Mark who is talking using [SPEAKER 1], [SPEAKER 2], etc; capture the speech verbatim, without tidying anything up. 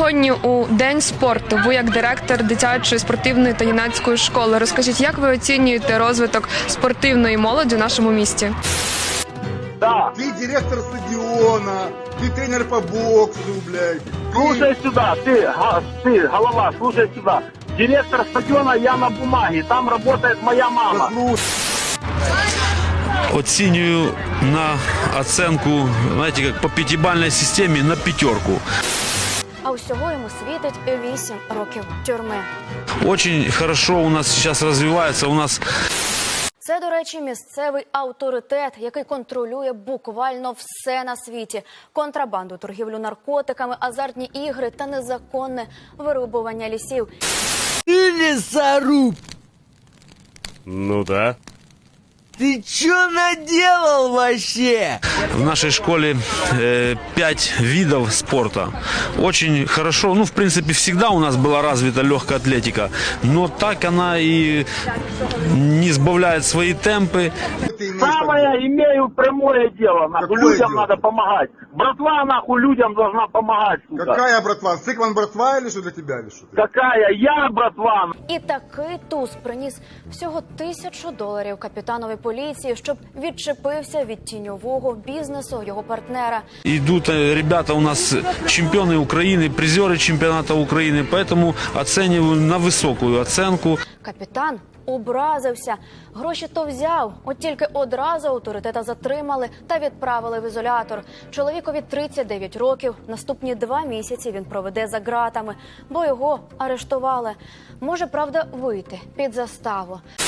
[SPEAKER 1] Сьогодні у День спорту ви як директор дитячої спортивної та юнацької школи. Розкажіть, як ви оцінюєте розвиток спортивної молоді в нашому місті?
[SPEAKER 2] Да.
[SPEAKER 3] Ты директор стадиона, ты тренер по боксу, блядь.
[SPEAKER 2] Слушай сюда, ты, га- ты, голова, слушай сюда. Директор стадиона я на бумаге, там работает моя мама.
[SPEAKER 3] Послушай.
[SPEAKER 4] Оцінюю на оценку, знаете, как по пятибалльной системе, на пятерку.
[SPEAKER 5] А усього йому світить вісім років тюрми.
[SPEAKER 4] Очень хорошо у нас сейчас развивается, у нас
[SPEAKER 5] Це, до речі, місцевий авторитет, який контролює буквально все на світі. Контрабанду, торгівлю наркотиками, азартні ігри та незаконне вирубування лісів.
[SPEAKER 6] Ты лесоруб!
[SPEAKER 7] Ну да.
[SPEAKER 6] Ты чё наделал вообще?
[SPEAKER 4] в нашей школе э, пять видов спорта. Очень хорошо, ну, в принципе, всегда у нас была развита легкая атлетика, но так она и не сбавляет свои темпы.
[SPEAKER 3] Ты имеешь
[SPEAKER 2] Самое имею прямое дело, нахуй,
[SPEAKER 3] Какое
[SPEAKER 2] людям
[SPEAKER 3] дело?
[SPEAKER 2] надо помогать. Братва, нахуй, людям должна помогать, сука.
[SPEAKER 3] Какая братва? Сыкман братва или что для тебя, или что?
[SPEAKER 2] Какая? Я, братва.
[SPEAKER 5] І такий туз приніс всього тисячу доларів капітанові поліції, щоб відчепився від тіньового бізнесу його партнера.
[SPEAKER 4] Идут э, ребята у нас чемпионы Украины, призеры чемпионата Украины, поэтому оцениваю на высокую оценку.
[SPEAKER 5] Капітан образився. Гроші то взяв, от тільки одразу авторитета затримали та відправили в ізолятор. Чоловікові тридцять дев'ять років, наступні два місяці він проведе за ґратами, бо його арештували. Може, правда, вийти під заставу.